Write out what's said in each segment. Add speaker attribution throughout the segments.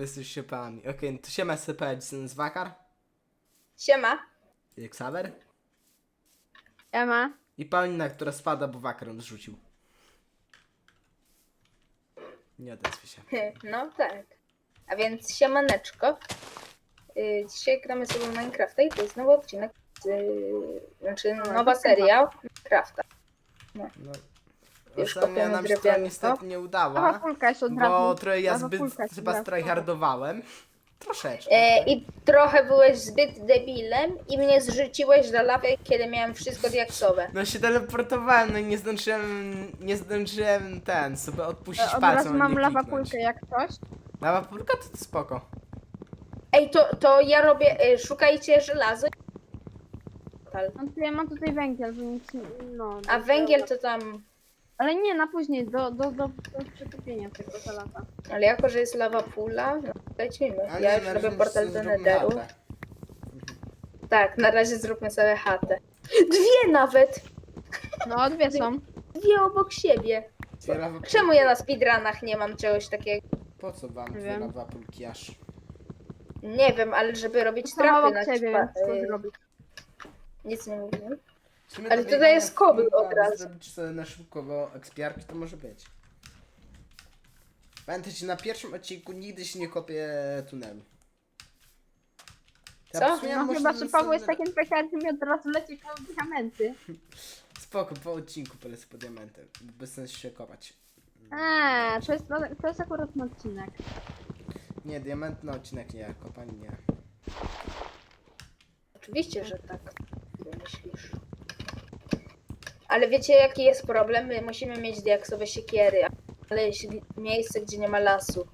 Speaker 1: jesteś siepami. Okej, no to siema SCP, z Wakar,
Speaker 2: Siema.
Speaker 1: Xaver
Speaker 3: Ema.
Speaker 1: i Paulina, która spada, bo Wakar ją zrzucił. Nie odezwij się.
Speaker 2: No tak. A więc siemaneczko. Dzisiaj gramy sobie w Minecrafta i to jest nowy odcinek, znaczy nowa seria Minecrafta.
Speaker 1: No,
Speaker 2: Już
Speaker 1: ostatnia
Speaker 2: kopiemy
Speaker 1: nam się to
Speaker 2: drewnianko.
Speaker 1: niestety nie
Speaker 3: Lawa
Speaker 1: udała,
Speaker 3: kulka jest od razu.
Speaker 1: bo trochę ja
Speaker 3: Lawa
Speaker 1: zbyt
Speaker 3: kulka jest
Speaker 1: chyba
Speaker 3: od razu.
Speaker 1: strajhardowałem. Troszeczkę.
Speaker 2: I trochę byłeś zbyt debilem i mnie zrzuciłeś do lawy, kiedy miałem wszystko diaksowe.
Speaker 1: No się teleportowałem, no i nie zdążyłem sobie odpuścić
Speaker 3: Od
Speaker 1: palcem,
Speaker 3: razu
Speaker 1: a
Speaker 3: mam
Speaker 1: nie
Speaker 3: lawa
Speaker 1: kliknąć.
Speaker 3: kulkę jak coś.
Speaker 1: Lawa pulka to spoko.
Speaker 2: Ej, to ja robię, szukajcie żelazo.
Speaker 3: No to ja mam tutaj węgiel, bo nic nie... No,
Speaker 2: A węgiel to tam,
Speaker 3: Ale nie, na później, do przetopienia tego żelaza.
Speaker 2: ale jako, że jest lawa pula, no lecimy.
Speaker 1: A
Speaker 2: Ja
Speaker 1: nie,
Speaker 2: już
Speaker 1: na
Speaker 2: robię
Speaker 1: razie
Speaker 2: portal do
Speaker 1: zróbmy
Speaker 2: Netheru.
Speaker 1: chatę.
Speaker 2: Tak, na razie zróbmy sobie chatę. Dwie nawet!
Speaker 3: No, dwie są.
Speaker 2: Dwie obok siebie.
Speaker 1: Dwie lawa pulki.
Speaker 2: Czemu ja na speedrunach nie mam czegoś takiego?
Speaker 1: Po co wam
Speaker 3: Nie
Speaker 1: dwie
Speaker 3: wiem.
Speaker 1: lawa pulki aż?
Speaker 2: Nie wiem, ale żeby robić
Speaker 3: To sama
Speaker 2: trapy
Speaker 3: obok
Speaker 2: na
Speaker 3: ciebie,
Speaker 2: przykład.
Speaker 3: więc co zrobić.
Speaker 2: Nic nie mówiłem.
Speaker 1: W sumie
Speaker 2: Ale
Speaker 1: do
Speaker 2: tutaj
Speaker 1: biegania
Speaker 2: jest
Speaker 1: w
Speaker 2: kobył
Speaker 1: kółko,
Speaker 2: od
Speaker 1: aby
Speaker 2: razu.
Speaker 1: zrobić sobie na szybko ekspiarki, to może być. Pamiętajcie, na pierwszym odcinku nigdy się nie kopie tunelu.
Speaker 2: Co?
Speaker 1: w sumie
Speaker 3: No
Speaker 1: może
Speaker 3: chyba, że Paweł jest
Speaker 1: następny-
Speaker 3: takim pekarnym i od razu leci po diamenty.
Speaker 1: Spoko, po odcinku polecę po diamenty. Bez sensu się kopać.
Speaker 3: To jest akurat ten odcinek.
Speaker 1: Nie, diament na odcinek nie, kopanie nie.
Speaker 2: Oczywiście, że tak. Myślisz. Ale wiecie jaki jest problem? My musimy mieć diaksowe siekiery, ale miejsce, gdzie nie ma lasu.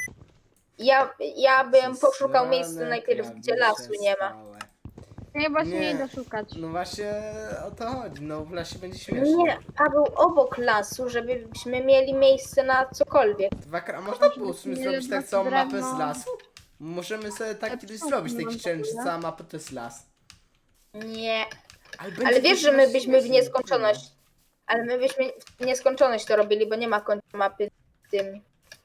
Speaker 2: Ja bym poszukał miejsca najpierw, gdzie lasu nie ma.
Speaker 3: Ja właśnie
Speaker 1: Nie.
Speaker 3: nie idę szukać.
Speaker 1: No właśnie o to chodzi, no w lasie będzie śmiesznie.
Speaker 2: Nie, Paweł, obok lasu, żebyśmy mieli miejsce na cokolwiek.
Speaker 1: Wakar, a można było w sumie
Speaker 3: Nie,
Speaker 1: zrobić tak
Speaker 3: no,
Speaker 1: całą mapę
Speaker 3: drewno.
Speaker 1: z lasu? Możemy sobie tak
Speaker 3: Ja
Speaker 1: kiedyś
Speaker 3: tu
Speaker 1: zrobić,
Speaker 3: mam
Speaker 1: taki
Speaker 3: to,
Speaker 1: challenge, że
Speaker 3: nie?
Speaker 1: cała mapa to jest las.
Speaker 2: Nie.
Speaker 1: będzie
Speaker 2: Ale wiesz,
Speaker 1: to
Speaker 2: że my
Speaker 1: śmiesznie,
Speaker 2: byśmy w
Speaker 1: śmiesznie,
Speaker 2: nieskończoność. Ale my byśmy w nieskończoność to robili, bo nie ma końca mapy w tym.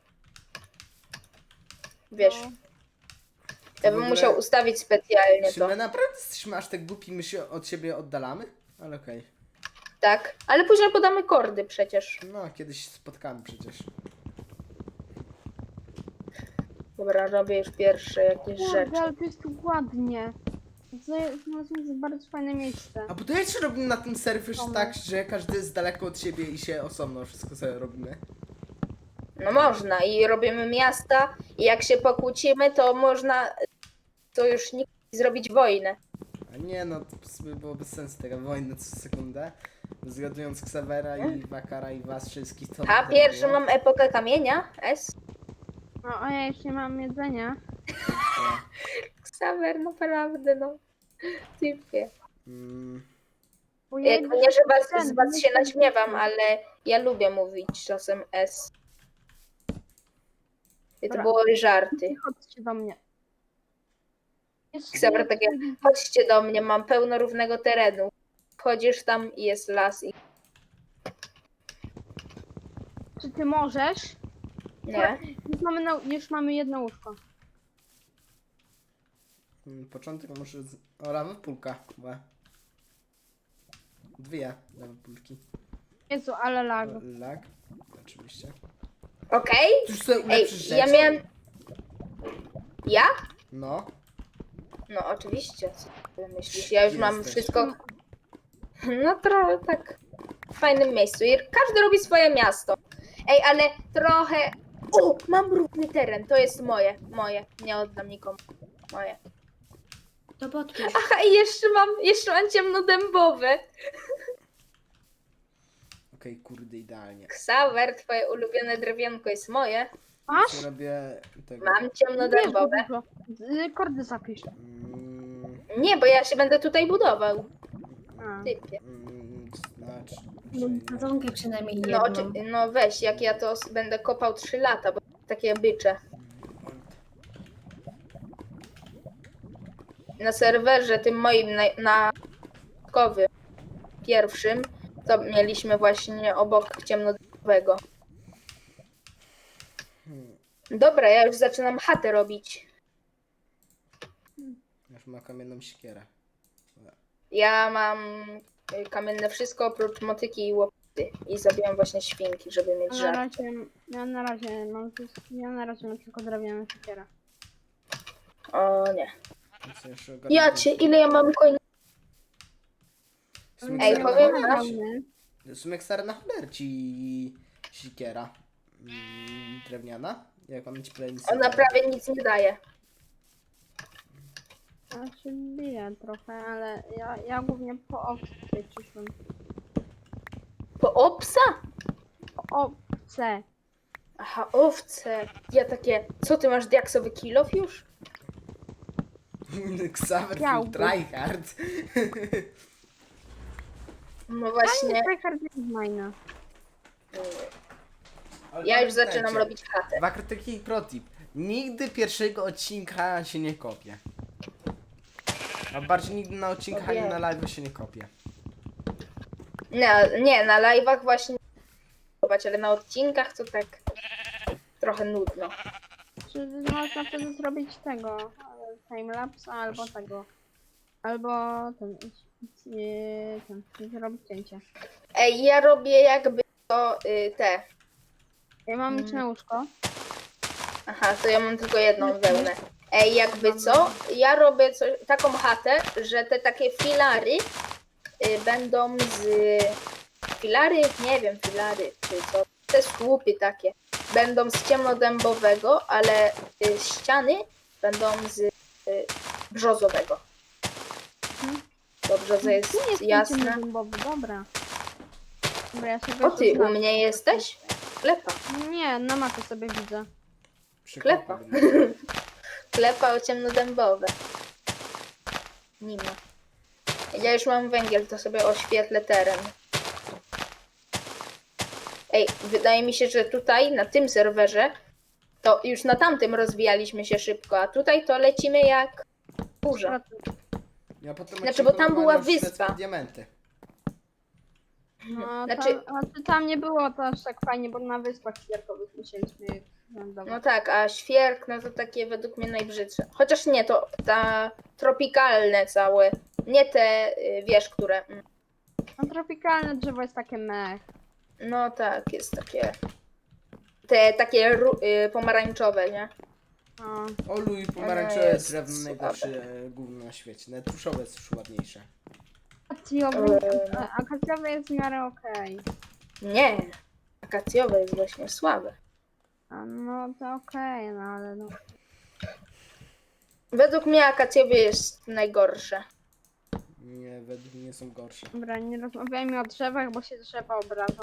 Speaker 2: Wiesz,
Speaker 3: No.
Speaker 2: ja
Speaker 1: W
Speaker 2: bym
Speaker 1: ogóle-
Speaker 2: musiał ustawić specjalnie
Speaker 1: Czy
Speaker 2: to.
Speaker 1: my naprawdę jesteśmy aż tak głupi, my się od siebie oddalamy? Ale okej.
Speaker 2: Tak, ale później podamy kordy przecież.
Speaker 1: No, kiedyś spotkamy przecież.
Speaker 2: Dobra, robię już pierwsze jakieś rzeczy.
Speaker 3: Kurde, ale to jest tu ładnie. Znalazłem bardzo fajne miejsce.
Speaker 1: A bo to jeszcze robimy na tym serwerze
Speaker 3: Dobra.
Speaker 1: tak, że każdy jest daleko od siebie i się osobno wszystko sobie robimy.
Speaker 2: No można i robimy miasta i jak się pokłócimy, to można, to już nikt zrobić wojnę.
Speaker 1: A nie no, to sobie było bez sensu taka wojna co sekundę. Zgadując Xavera i Wakara i was wszystkich to...
Speaker 2: A
Speaker 1: tak
Speaker 2: pierwszy
Speaker 1: było.
Speaker 2: mam epokę kamienia, S.
Speaker 3: No, a ja już nie mam jedzenia.
Speaker 2: Xaver, naprawdę no. Typie.
Speaker 1: Mm,
Speaker 3: Bo ja
Speaker 2: Jak
Speaker 3: idę
Speaker 2: nie, że
Speaker 3: ten,
Speaker 2: z was się
Speaker 3: myślę,
Speaker 2: naśmiewam, ale ja lubię mówić czasem S. I to
Speaker 3: Dobra.
Speaker 2: były żarty.
Speaker 3: Chodźcie do mnie. Jest
Speaker 2: Xaver takie, chodźcie do mnie, mam pełno równego terenu. Wchodzisz tam i jest las i
Speaker 3: Czy ty możesz?
Speaker 2: nie.
Speaker 3: Już mamy jedno łóżko.
Speaker 1: początek może... O, lawa pulka. Łe. Dwie lawa pulki.
Speaker 3: Jezu, ale lag.
Speaker 1: Lag. Oczywiście.
Speaker 2: Okej?
Speaker 1: Już sobie
Speaker 2: Ej,
Speaker 1: ulepszysz
Speaker 2: ja
Speaker 1: rzeczy?
Speaker 2: miałem... Ja?
Speaker 1: No.
Speaker 2: No oczywiście, co ty myślisz? Ja już mam
Speaker 1: Jesteś.
Speaker 2: wszystko... No trochę tak w fajnym miejscu. I każdy robi swoje miasto. Ej, ale trochę... O, mam równy teren, to jest moje. Nie oddam nikomu. Moje.
Speaker 4: To podpisz.
Speaker 2: Aha, i jeszcze mam ciemnodębowe.
Speaker 1: Okej, kurde, idealnie.
Speaker 2: Xaver, twoje ulubione drewienko jest moje.
Speaker 3: Masz?
Speaker 1: Ja robię tego.
Speaker 2: Mam ciemnodębowe.
Speaker 3: Kordy zapisz.
Speaker 2: Nie, bo ja się będę tutaj budował.
Speaker 3: A.
Speaker 2: Typie.
Speaker 1: Znaczy...
Speaker 4: Sadzonkę przynajmniej
Speaker 2: No,
Speaker 4: jedną.
Speaker 2: no weź, jak ja to będę kopał 3 lata, bo takie bycze. Na serwerze tym moim na początkowym, pierwszym, to mieliśmy właśnie obok ciemnodębowego. Dobra, ja już zaczynam chatę robić.
Speaker 1: Już ma kamienną siekierę.
Speaker 2: Ja mam kamienne wszystko oprócz motyki i łopaty. I zabijam właśnie świnki, żeby mieć
Speaker 3: A na
Speaker 2: żar.
Speaker 3: razie, ja na razie mam tylko drewnianą siekierę.
Speaker 2: O nie.
Speaker 1: Więc jeszcze ogarnę
Speaker 2: Ja
Speaker 1: ten
Speaker 2: cię,
Speaker 1: film.
Speaker 2: ile ja mam koń...
Speaker 1: Sumie
Speaker 2: Ej,
Speaker 1: stary
Speaker 2: powiem
Speaker 1: na
Speaker 2: wam-
Speaker 1: choler- W sumie stary na choler ci siekiera. Drewniana. Jak mam ci playlist.
Speaker 2: Ona prawie nic nie daje.
Speaker 3: Ja się biję trochę, ale ja głównie po owce przyszłam.
Speaker 2: Po obsa?
Speaker 3: Po owce.
Speaker 2: Aha, owce. Ja takie, co ty masz diaksowy kill-off już?
Speaker 1: Xaver
Speaker 3: Chciałbym.
Speaker 1: tryhard.
Speaker 2: No właśnie,
Speaker 3: Tryhard jest majna.
Speaker 2: ja już zaczynam robić chatę.
Speaker 1: Wakrytyki protip. Nigdy pierwszego odcinka się nie kopie. A bardziej nigdy na odcinkach ani
Speaker 2: Wiem.
Speaker 1: na live się nie kopie.
Speaker 2: Nie, na live'ach właśnie ale na odcinkach to tak trochę nudno.
Speaker 3: Czy można wtedy zrobić tego timelapse albo tego. Albo zrobić cięcie.
Speaker 2: Ej, ja robię jakby to te.
Speaker 3: Ja mam liczne łóżko.
Speaker 2: Aha, to ja mam tylko jedną wełnę. Ej, jakby co? Ja robię taką chatę, że te takie filary będą z... Filary? Nie wiem, filary czy co. Te słupy takie. Będą z ciemnodębowego, ale ściany będą z brzozowego.
Speaker 3: Mhm.
Speaker 2: To brzoza jest
Speaker 3: Tu jest
Speaker 2: jasna.
Speaker 3: ciemnodębowy, dobra. Dobra, ja sobie
Speaker 2: O ty,
Speaker 3: to
Speaker 2: u mnie jesteś? Klepa.
Speaker 3: Nie, na mapie sobie widzę.
Speaker 2: Klepa. Klepa o ciemnodębowe. Nie ma. Ja już mam węgiel, to sobie oświetlę teren. Ej, wydaje mi się, że tutaj, na tym serwerze, to już na tamtym rozwijaliśmy się szybko, a tutaj to lecimy jak burza.
Speaker 1: Ja potem
Speaker 2: Znaczy, bo tam była
Speaker 1: odcinku śledztwo
Speaker 2: wyspa.
Speaker 1: Diamenty.
Speaker 3: No,
Speaker 2: Znaczy-
Speaker 3: tam nie było to aż tak fajnie, bo na wyspach świerkowych musieliśmy je
Speaker 2: No
Speaker 3: lądować.
Speaker 2: tak, a świerk, no to takie według mnie najbrzydsze. Chociaż nie, to ta tropikalne całe. Nie te, wiesz, które...
Speaker 3: No tropikalne drzewo jest takie mech.
Speaker 2: No tak, jest takie... Te takie pomarańczowe, nie?
Speaker 3: No.
Speaker 1: Olu i pomarańczowe
Speaker 2: jest
Speaker 1: drewno
Speaker 2: słabe.
Speaker 1: najgorsze gówno na świecie. Nawet tuszowe jest już ładniejsze.
Speaker 3: Akacjowy jest w miarę okej.
Speaker 2: Nie, akacjowe jest właśnie słabe.
Speaker 3: A no to okej, no ale no.
Speaker 2: Według mnie akacjowe jest najgorsze.
Speaker 1: Nie, według mnie są gorsze.
Speaker 3: Dobra, nie rozmawiajmy o drzewach, bo się drzewa obrażą.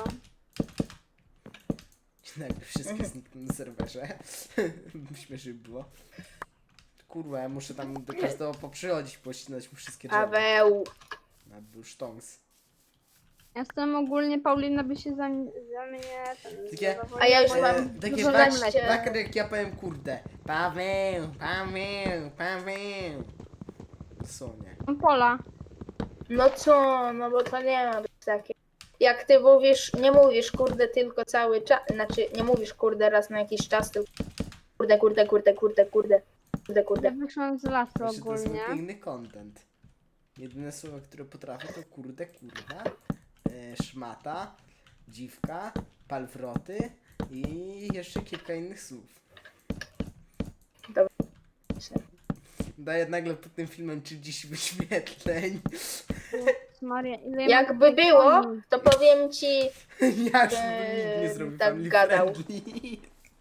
Speaker 1: Jakby wszystkie znikną na serwerze. Śmiesznie było. Kurwa, ja muszę tam do każdego poprzychodzić, pościnać mu wszystkie drzewa.
Speaker 2: Paweł.
Speaker 1: Na był sztąs.
Speaker 3: Jestem ogólnie, Paulina by się za mnie
Speaker 1: Takie-
Speaker 2: A ja już
Speaker 3: bo-
Speaker 2: mam
Speaker 1: Takie
Speaker 2: 12.
Speaker 1: wakry, jak ja powiem kurde. Paweł, Paweł, Paweł. Co nie?
Speaker 3: Mam pola.
Speaker 2: No co, no bo to nie ma być takie. Jak ty mówisz, nie mówisz kurde tylko cały czas, znaczy nie mówisz kurde raz na jakiś czas, tylko kurde, kurde, kurde, kurde, kurde, kurde,
Speaker 3: Ja
Speaker 2: kurde.
Speaker 3: wyszłam z lasu
Speaker 1: Wiesz, to jest mój
Speaker 3: ogólnie.
Speaker 1: piękny content. Jedyne słowa, które potrafię to kurde, kurwa, szmata, dziwka, palwroty i jeszcze kilka innych słów.
Speaker 2: Dobra.
Speaker 1: Daję nagle pod tym filmem 30 wyświetleń.
Speaker 3: Maria, ile ja
Speaker 2: Jakby
Speaker 3: mam tutaj
Speaker 2: było,
Speaker 3: koni?
Speaker 2: to powiem ci,
Speaker 1: Ja już bym nikt nie zrobił
Speaker 2: tak
Speaker 1: family
Speaker 2: gadał.
Speaker 1: friendly.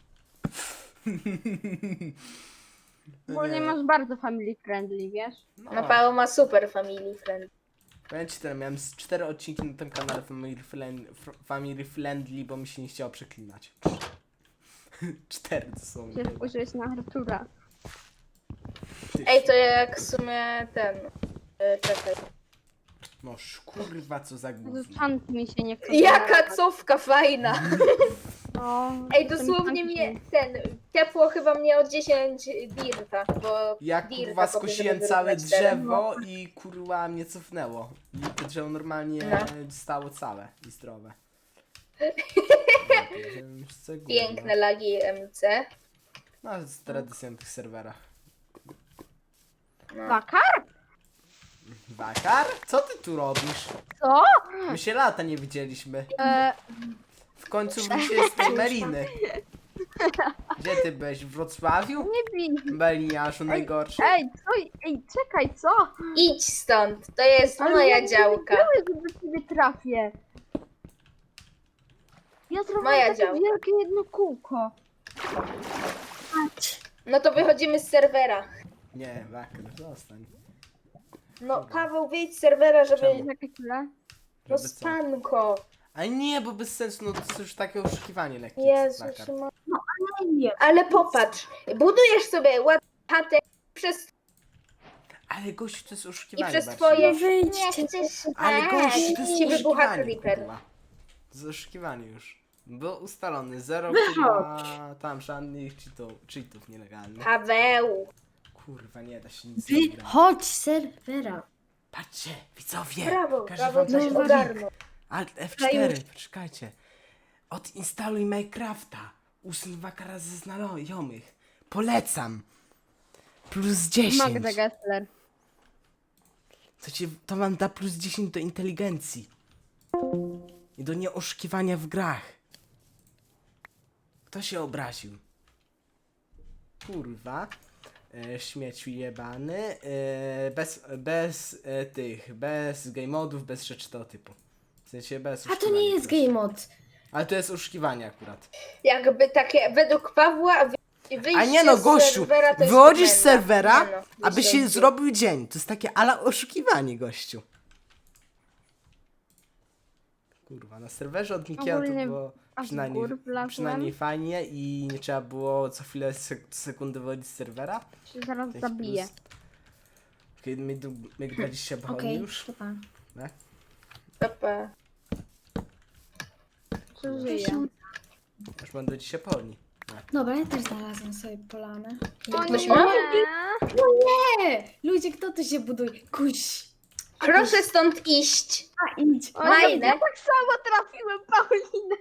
Speaker 3: Ogólnie
Speaker 1: Nie.
Speaker 3: masz bardzo family friendly, wiesz?
Speaker 2: no Paweł ma super family friend.
Speaker 1: Powiem ci tyle, miałem z 4 odcinki na tym kanale family friendly, bo mi się nie chciało przeklinać. 4 to są.
Speaker 3: Się spojrzeć na Artura.
Speaker 2: Ej, to jak w sumie ten, czekaj.
Speaker 1: No kurwa, co za gówno.
Speaker 3: Czant mi się nie chce.
Speaker 2: Jaka
Speaker 3: zarabiać.
Speaker 2: cofka fajna!
Speaker 3: No,
Speaker 2: Ej,
Speaker 3: ten
Speaker 2: dosłownie
Speaker 3: czant
Speaker 2: mnie,
Speaker 3: mi-
Speaker 2: ciepło chyba mnie od 10 dirta, bo
Speaker 1: Ja
Speaker 2: dirta
Speaker 1: kurwa
Speaker 2: kopię,
Speaker 1: skosiłem
Speaker 2: żeby
Speaker 1: całe
Speaker 2: wyrównać teren.
Speaker 1: drzewo i kurwa mnie cofnęło. I to drzewo normalnie
Speaker 2: No.
Speaker 1: stało całe i zdrowe. Ja pierdzielę, co gówno.
Speaker 2: Piękne lagi MC.
Speaker 1: No, z tradycją tych serwerach.
Speaker 3: Wakar?
Speaker 1: Wakar? Co ty tu robisz?
Speaker 3: Co?
Speaker 1: My się lata nie widzieliśmy.
Speaker 3: E,
Speaker 1: W końcu wróciłeś z tej Meliny. Gdzie ty byłeś? W Wrocławiu?
Speaker 3: nie bij.
Speaker 1: Meliniarzu najgorszy.
Speaker 3: Ej, co? Ej, czekaj, co?
Speaker 2: Idź stąd, to jest moja działka.
Speaker 3: Wiedziałem, że do ciebie trafię. Ja
Speaker 2: Moja
Speaker 3: zrobiłem takie
Speaker 2: działka.
Speaker 3: wielkie jedno kółko.
Speaker 4: Patrz.
Speaker 2: No to wychodzimy z serwera.
Speaker 1: Nie, Wakar, zostań.
Speaker 2: No Paweł, wyjdź z serwera, żeby...
Speaker 1: Czemu?
Speaker 3: Czekaj chwilę.
Speaker 2: No
Speaker 1: Żeby co?
Speaker 2: spanko.
Speaker 1: A nie, bo bez sensu, no to jest już takie oszukiwanie lekkie.
Speaker 2: Jezus,
Speaker 1: Wakar.
Speaker 4: Nie wiem.
Speaker 2: ale popatrz, budujesz sobie ładną chatę przez...
Speaker 1: Ale gościu, to jest
Speaker 2: i
Speaker 1: oszukiwanie
Speaker 2: przez
Speaker 1: bardziej.
Speaker 2: twoje...
Speaker 4: Wyjdźcie.
Speaker 1: Ale gościu, to jest
Speaker 2: ci wybucha
Speaker 1: oszukiwanie,
Speaker 2: creeper.
Speaker 1: kurwa. To jest oszukiwanie już. Był ustalony, zero
Speaker 4: Wychodź.
Speaker 1: kurwa, tam żadnych cheatów nielegalnych.
Speaker 2: Paweł.
Speaker 1: Kurwa, nie da się nic nie grać.
Speaker 4: Wychodź z serwera.
Speaker 1: Patrzcie, widzowie,
Speaker 2: Brawo,
Speaker 1: każę
Speaker 2: Paweł
Speaker 1: wam
Speaker 2: coś
Speaker 1: coś
Speaker 2: ogarnął.
Speaker 1: Alt F4, poczekajcie. Odinstaluj Minecrafta. Usuń Wakara ze znajomych. Polecam. Plus 10.
Speaker 3: Magda Gessler.
Speaker 1: To wam da plus 10 do inteligencji. I do nieoszukiwania w grach. Kto się obraził? Kurwa. Śmieciu jebany. Bez game modów, bez rzeczy tego typu. W sensie bez
Speaker 4: A to
Speaker 1: oszukiwania
Speaker 4: nie jest
Speaker 1: proszę.
Speaker 4: game mod.
Speaker 1: Ale to jest oszukiwanie akurat.
Speaker 2: Jakby takie, według Pawła, wyjście
Speaker 1: A nie no,
Speaker 2: z
Speaker 1: gościu,
Speaker 2: serwera to jest
Speaker 1: wychodzisz z
Speaker 2: komenda.
Speaker 1: serwera,
Speaker 2: Nie no,
Speaker 1: aby
Speaker 2: wyjście
Speaker 1: się
Speaker 2: z-
Speaker 1: zrobił dzień. To jest takie ala oszukiwanie, gościu. Kurwa, na serwerze od Mikiela to
Speaker 3: Ogólnie
Speaker 1: było
Speaker 3: aż w
Speaker 1: przynajmniej,
Speaker 3: gór wlazłem.
Speaker 1: przynajmniej fajnie i nie trzeba było co chwilę sekundy wychodzić z serwera.
Speaker 3: Się zaraz
Speaker 1: To jest
Speaker 3: zabiję.
Speaker 1: plus. Kiedy my 20 broni
Speaker 4: Okej,
Speaker 1: już.
Speaker 4: to pan.
Speaker 1: Tak?
Speaker 2: Papa.
Speaker 3: Przeżyję.
Speaker 1: Już będę dzisiaj pełni.
Speaker 4: Dobra, ja też znalazłam sobie polanę.
Speaker 3: O
Speaker 2: Ktoś
Speaker 3: nie!
Speaker 2: ma?
Speaker 4: Nie! Ludzie, kto tu się buduje? Kuś.
Speaker 2: Proszę stąd iść.
Speaker 4: A idź.
Speaker 3: O,
Speaker 2: Fajne.
Speaker 3: ja tak samo trafiłem, Paulina.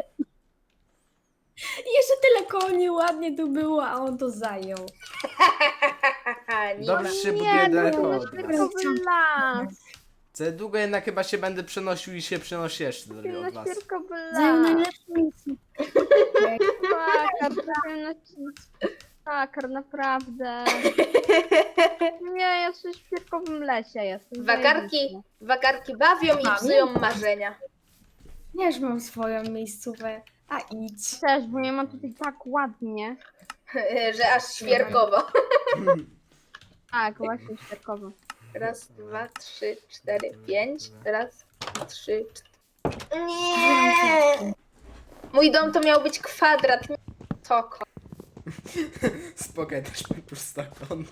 Speaker 4: Jeszcze tyle koni ładnie tu było, a on to zajął.
Speaker 2: Haha, nie.
Speaker 1: Dobrze się
Speaker 3: Nie,
Speaker 1: buduje
Speaker 3: no
Speaker 1: daleko
Speaker 3: to
Speaker 1: od
Speaker 3: jest
Speaker 1: was.
Speaker 3: tylko las.
Speaker 1: Za długo jednak chyba się będę przenosił i się przenosi jeszcze dalej od
Speaker 3: Na
Speaker 1: was.
Speaker 3: świerko
Speaker 4: Zajął
Speaker 3: las.
Speaker 4: najlepsze miejsce.
Speaker 3: Takar, trafiłem na Takar, naprawdę. Nie, ja w świerkowym lesie jestem.
Speaker 2: Wakarki bawią i psują marzenia.
Speaker 4: Ja już mam swoją miejscówę. A idź.
Speaker 3: Też, bo ja mam tutaj tak ładnie.
Speaker 2: Że aż świerkowo.
Speaker 3: Tak, właśnie świerkowo.
Speaker 2: Raz, dwa, trzy, cztery, pięć. Raz, trzy, cztery. Nie! Mój dom to miał być kwadrat, nie toko.
Speaker 1: Spokojnie, też mam prostokąt.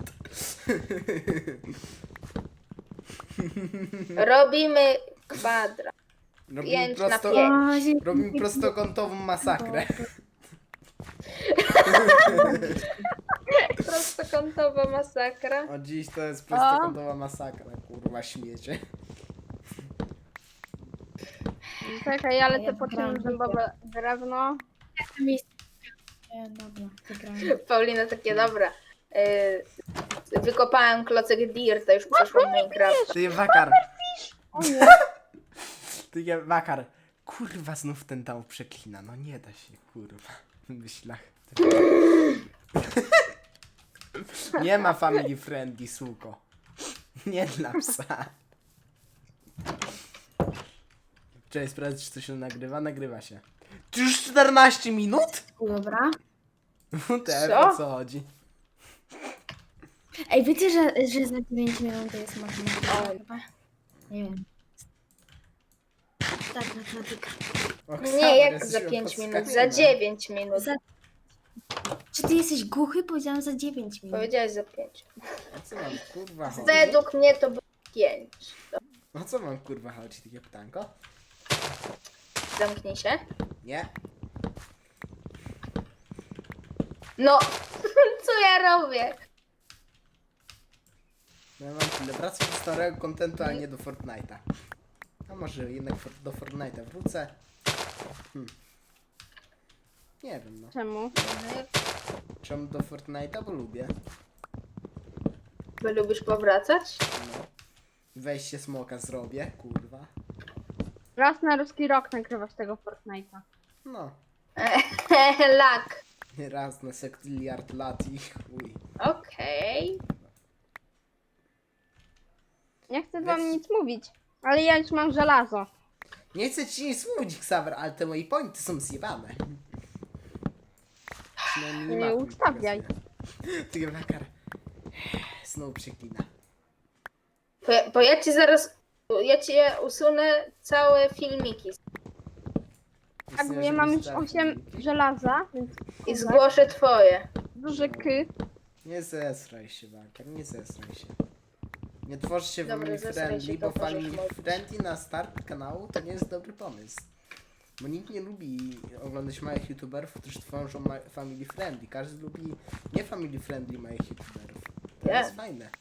Speaker 2: Robimy kwadrat.
Speaker 1: Robimy,
Speaker 2: 5 na
Speaker 1: prosto,
Speaker 2: 5.
Speaker 1: robimy prostokątową masakrę.
Speaker 2: Prostokątowa masakra.
Speaker 1: O dziś to jest prostokątowa masakra, kurwa śmiecie.
Speaker 3: Czekaj, ale
Speaker 4: Ja
Speaker 3: to po
Speaker 4: wygrałam
Speaker 3: tym zębowe drewno.
Speaker 4: Dobra, wygrałem.
Speaker 2: Paulina takie dobra. Wykopałem klocek Dirta, już przeszłam Minecraft.
Speaker 1: Ty Wakar.
Speaker 3: O nie,
Speaker 1: Ty Wakar. Kurwa znów ten tam przeklina. No nie da się, kurwa. W myślach. Nie ma family friendly, suko. Nie dla psa. Cześć, sprawdź, czy to się nagrywa? Nagrywa się. Czy już 14 minut?
Speaker 4: Dobra.
Speaker 1: Teraz o co chodzi?
Speaker 4: Ej, wiecie, że za 9 minut to jest matematyka chyba? Nie wiem. Tak, matematyka.
Speaker 2: Nie, jak za 5 minut, za 9 minut.
Speaker 4: Za... Czy ty jesteś głuchy? Powiedziałam za 9 minut.
Speaker 2: Powiedziałeś za 5.
Speaker 1: O co mam kurwa chodzi?
Speaker 2: Według mnie to było 5.
Speaker 1: O co mam kurwa chodzi? Takie pytanko?
Speaker 2: Zamknij się.
Speaker 1: Nie?
Speaker 2: No, co ja robię?
Speaker 1: Ja mam tyle. Wracam do starego kontentu, ale nie do Fortnite'a. A może jednak do Fortnite'a wrócę. Nie wiem, no.
Speaker 3: Czemu?
Speaker 1: Czemu do Fortnite'a? Bo lubię.
Speaker 2: Bo lubisz powracać?
Speaker 1: No. Wejście smoka zrobię, kurwa.
Speaker 3: Raz na ruski rok nagrywasz tego Fortnite'a.
Speaker 1: No.
Speaker 2: Lak.
Speaker 1: Raz na sektyliard lat i chuj.
Speaker 2: Okej.
Speaker 3: Nie chcę
Speaker 1: Wiesz-
Speaker 3: wam nic mówić, ale ja już mam żelazo.
Speaker 1: Nie chcę ci nic mówić, Xaver, ale te moje pointy są zjebane. Przynajmniej
Speaker 3: Nie
Speaker 1: mapy mi
Speaker 3: ustawiaj.
Speaker 1: pokazuje. Ty wakar. Znowu przeklina.
Speaker 2: Bo ja ci zaraz... Ja ci usunę całe filmiki
Speaker 3: Tak,
Speaker 1: Myślę,
Speaker 3: ja
Speaker 1: że
Speaker 3: mam już
Speaker 1: wystarczy
Speaker 3: 8
Speaker 1: mi.
Speaker 3: żelaza, więc
Speaker 2: i zgłoszę twoje.
Speaker 3: duży K.
Speaker 1: Nie zesraj się, wakar, nie zesraj się. Nie tworz się
Speaker 2: Dobra,
Speaker 1: family
Speaker 2: zesraj
Speaker 1: friendly,
Speaker 2: się,
Speaker 1: bo
Speaker 2: to możesz
Speaker 1: family
Speaker 2: mówić.
Speaker 1: friendly na start kanału to nie jest dobry pomysł. Bo nikt nie lubi oglądać małych youtuberów, którzy tworzą family friendly. Każdy lubi nie family friendly małych youtuberów. To
Speaker 2: Nie.
Speaker 1: jest fajne.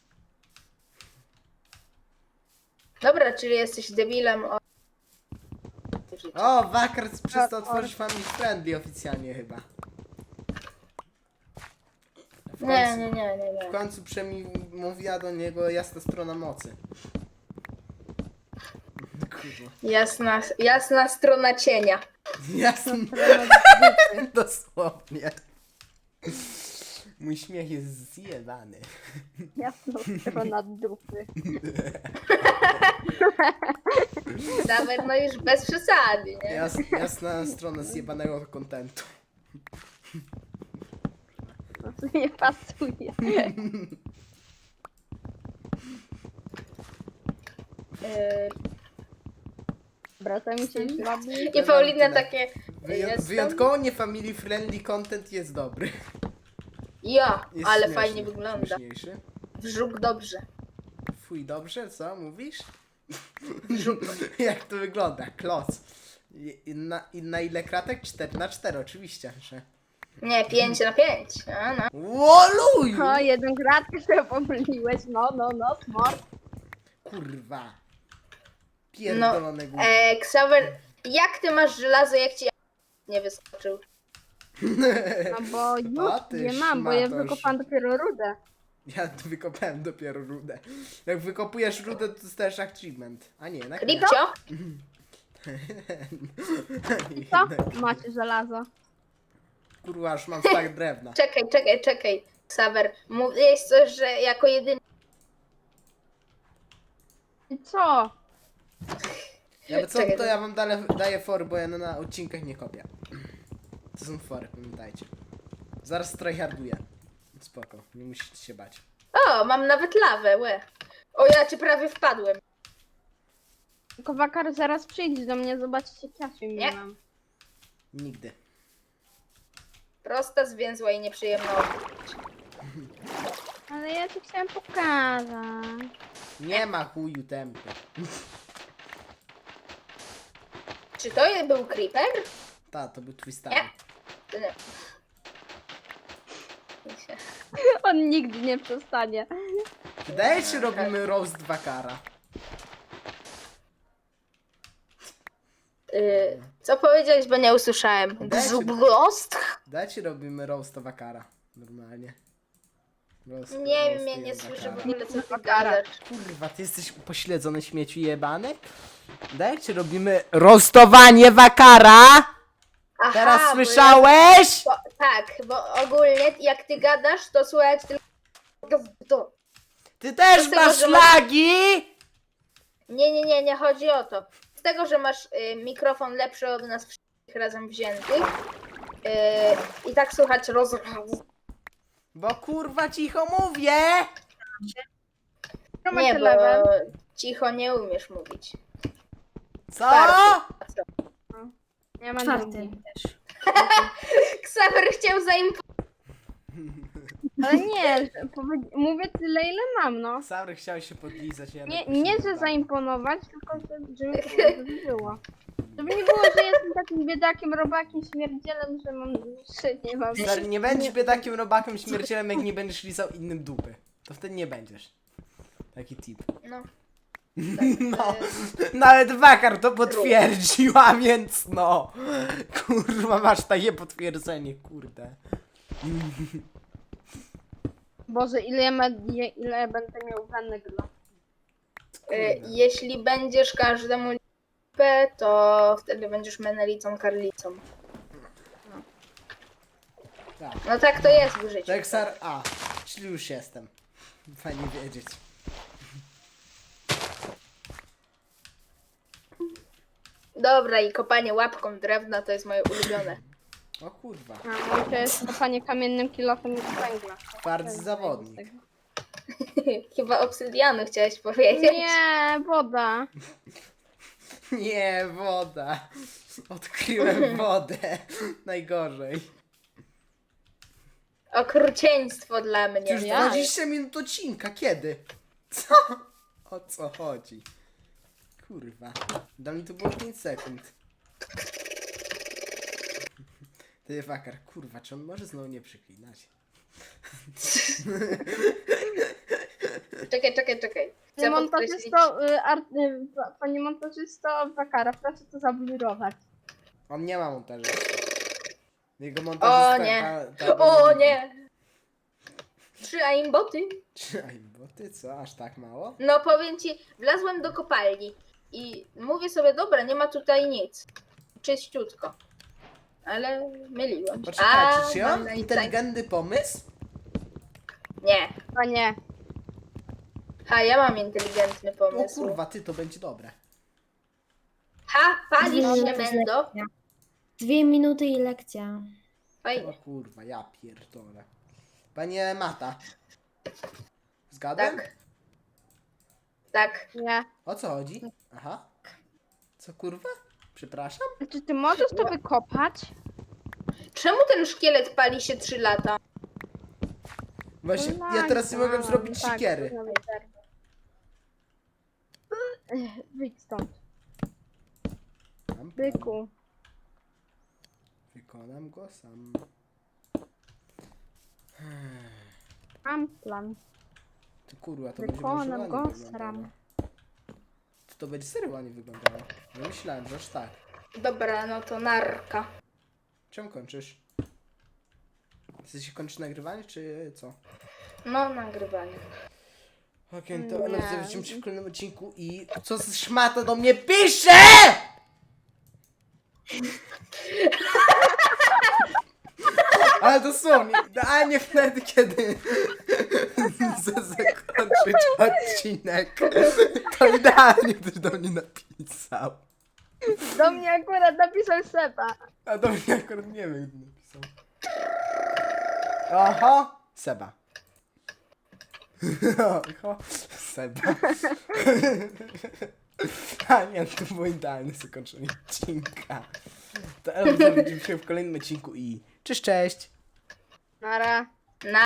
Speaker 2: Dobra, czyli jesteś debilem o...
Speaker 1: O, Wakar przestał
Speaker 3: O,
Speaker 1: tworzyć family friendly oficjalnie chyba. W
Speaker 2: Nie,
Speaker 1: końcu,
Speaker 2: nie, nie, nie,
Speaker 1: w
Speaker 2: nie.
Speaker 1: końcu przemówiła do niego jasna strona mocy. Kurwa.
Speaker 2: Jasna strona cienia.
Speaker 1: Jasna. Dosłownie. Mój śmiech jest zjebany.
Speaker 3: Jasna strona dupy.
Speaker 2: Nawet no już bez przesady, nie?
Speaker 1: Jasna strona zjebanego kontentu.
Speaker 3: To co nie pasuje. Dobra, to mi się już robi.
Speaker 2: I Paulina
Speaker 1: tyle.
Speaker 2: takie... jestem-
Speaker 1: Wyjątkowo nie family friendly content jest dobry.
Speaker 2: Ja,
Speaker 1: Jest
Speaker 2: ale
Speaker 1: śmieszny,
Speaker 2: fajnie wygląda.
Speaker 1: Śmieszniejszy.
Speaker 2: Wrzuk dobrze.
Speaker 1: Fuj, dobrze, co mówisz?
Speaker 2: Wrzuk.
Speaker 1: Jak to wygląda? Kloc. I na ile kratek? 4x4 oczywiście, że...
Speaker 2: Nie, 5/5. A, no.
Speaker 1: Woluj!
Speaker 3: O, jeden gratkę sobie pomyliłeś. No, smart.
Speaker 1: Kurwa. Pierdolone no,
Speaker 2: Xaver, jak ty masz żelazo, jak ci nie wyskoczył?
Speaker 3: No bo
Speaker 1: A
Speaker 3: już
Speaker 1: ty
Speaker 3: nie mam, bo ja
Speaker 1: szmatosz.
Speaker 3: wykopam dopiero rudę.
Speaker 1: Ja wykopałem dopiero rudę. Jak wykopujesz rudę, to dostajesz achievement. A nie, na
Speaker 2: Lipcio?
Speaker 3: Co? Macie żelazo.
Speaker 1: Kurwa, już mam stak drewna.
Speaker 2: Czekaj. Xaver, mówiłeś coś, że jako jedyny...
Speaker 3: I co?
Speaker 1: Ja co,
Speaker 2: Czekaj,
Speaker 1: to ja wam daję fory, bo ja na odcinkach nie kopię. To są fory, pamiętajcie. Zaraz tryharduję. Spoko, nie musicie się bać.
Speaker 2: O, mam nawet lawę, łe. O, ja ci prawie wpadłem.
Speaker 3: Tylko Wakar, zaraz przyjdź do mnie, zobaczycie jak ja się
Speaker 2: Nie.
Speaker 3: mam.
Speaker 1: Nigdy.
Speaker 2: Prosta, zwięzła i nieprzyjemna.
Speaker 3: Ale ja ci chciałem pokazać.
Speaker 1: Nie ma chuju tempy.
Speaker 2: Czy to był creeper?
Speaker 1: Ta, to był twój stary.
Speaker 2: Nie. To nie.
Speaker 3: On nigdy nie przestanie.
Speaker 1: Wydaje się, robimy roast Wakara.
Speaker 2: Co powiedziałeś, bo nie usłyszałem?
Speaker 1: Dajcie.
Speaker 2: Gzost?
Speaker 1: Dajcie, robimy roast Wakara. Normalnie. Roast-
Speaker 2: Nie wiem,
Speaker 1: roast
Speaker 2: ja nie słyszę w
Speaker 1: Wakara.
Speaker 2: ogóle, co ty gadasz.
Speaker 1: Kurwa, ty jesteś upośledzony śmieciu jebany? Dajcie, robimy roastowanie Wakara!
Speaker 2: Aha,
Speaker 1: Teraz
Speaker 2: bo
Speaker 1: słyszałeś?
Speaker 2: tak, bo ogólnie jak ty gadasz, to słychać tylko...
Speaker 1: Ty też
Speaker 2: z tego,
Speaker 1: masz
Speaker 2: że masz-
Speaker 1: lagi?
Speaker 2: Nie chodzi o to. Z tego, że masz mikrofon lepszy od nas wszystkich razem wziętych i tak słychać
Speaker 1: Bo kurwa cicho mówię!
Speaker 3: Co
Speaker 2: Nie,
Speaker 3: macie
Speaker 2: bo
Speaker 3: level?
Speaker 2: cicho nie umiesz mówić.
Speaker 1: Co?
Speaker 2: Czwarty.
Speaker 3: Ja mam
Speaker 4: Czwarty
Speaker 3: drugi.
Speaker 4: też.
Speaker 2: Ksawer chciał
Speaker 3: Ale nie, że mówię tyle ile mam, no.
Speaker 1: Saury chciał się podlizać. Ja
Speaker 3: Nie, że zaimponować, tylko żeby to było. Żeby nie było, że jestem takim biedakiem, robakiem, śmierdzielem, że mam duszy, nie mam...
Speaker 1: Stary, nie będziesz biedakiem, robakiem, śmiercielem, jak nie będziesz lizał innym dupy. To wtedy nie będziesz. Taki tip.
Speaker 2: No.
Speaker 1: No, nawet Wakar to potwierdził, a więc no. Kurwa, masz takie potwierdzenie, kurde.
Speaker 3: Boże, ile będę miał węgla.
Speaker 2: Jeśli będziesz każdemu lipę, to wtedy będziesz menelicą karlicą.
Speaker 1: Tak.
Speaker 2: No tak to jest w życiu.
Speaker 1: Texar A, czyli już jestem. Fajnie wiedzieć.
Speaker 2: Dobra, i kopanie łapką drewna to jest moje ulubione.
Speaker 1: O kurwa,
Speaker 3: A mój to jest kopanie kamiennym kilofem z węgla.
Speaker 1: twardy zawodnik.
Speaker 2: Chyba obsydianu chciałeś powiedzieć.
Speaker 3: Nie, woda.
Speaker 1: Nie, woda. Odkryłem wodę. Najgorzej.
Speaker 2: Okrucieństwo dla mnie.
Speaker 1: Już
Speaker 3: Ja.
Speaker 1: 20 minut odcinka, kiedy? Co? O co chodzi? Kurwa. Dla mnie to było 5 sekund. Ty Wakar, kurwa, czy on może znowu nie przeklinać?
Speaker 2: Czekaj. Chcę podkreślić.
Speaker 3: Panie montażysto Wakara, proszę to zablurować.
Speaker 1: On nie ma montażu. Jego montażysta...
Speaker 2: O nie. O nie. 3 aimboty.
Speaker 1: Czy aimboty? Co? Aż tak mało?
Speaker 2: No powiem ci, wlazłem do kopalni i mówię sobie, dobra, nie ma tutaj nic. Czyściutko. Ale myliłem się.
Speaker 1: Poczekajcie, czy ja
Speaker 2: mam
Speaker 1: mam
Speaker 2: na
Speaker 1: inteligentny pomysł?
Speaker 2: Nie.
Speaker 3: Panie,
Speaker 2: Ja mam inteligentny
Speaker 1: O
Speaker 2: pomysł.
Speaker 1: kurwa, ty, to będzie dobre.
Speaker 2: Palisz
Speaker 4: No,
Speaker 2: się,
Speaker 4: to jest
Speaker 2: Mendo.
Speaker 4: lekcja. 2 minuty i lekcja.
Speaker 1: O
Speaker 2: Fajnie.
Speaker 1: kurwa, ja pierdolę. Panie Mata. Zgadłem?
Speaker 2: Tak. Tak.
Speaker 3: nie.
Speaker 1: O co chodzi? Aha. Co kurwa? Przepraszam?
Speaker 3: Czy ty możesz to wykopać?
Speaker 2: Czemu ten szkielet pali się 3 lata?
Speaker 1: Właśnie, ja teraz nie mogę zrobić
Speaker 3: Tak,
Speaker 1: siekiery.
Speaker 3: to wyjdź stąd,
Speaker 1: Mam plan.
Speaker 3: byku.
Speaker 1: Wykonam go sam.
Speaker 3: Mam plan.
Speaker 1: Ty kurwa, to będzie
Speaker 3: Wykonam
Speaker 1: może
Speaker 3: go,
Speaker 1: ładnie wyglądało.
Speaker 3: sram.
Speaker 1: To będzie serio ładnie wyglądało. Ja myślałem, że aż tak.
Speaker 2: Dobra, no to narka.
Speaker 1: Czemu kończysz? Chcesz kończyć nagrywanie, czy co?
Speaker 2: No, nagrywanie.
Speaker 1: Okej, to
Speaker 3: Nie.
Speaker 1: widzimy się w kolejnym odcinku i co z szmata do mnie pisze! Ale dosłownie, idealnie wtedy, kiedy chcę zakończyć odcinek, to idealnie ktoś do mnie napisał.
Speaker 3: Do mnie akurat napisał Seba.
Speaker 1: A do mnie akurat nie wiem, kto napisał. Oho, Seba. Oho, Seba. A nie, to było idealne zakończenie odcinka. To widzimy się w kolejnym odcinku i cześć, cześć.
Speaker 3: Nara.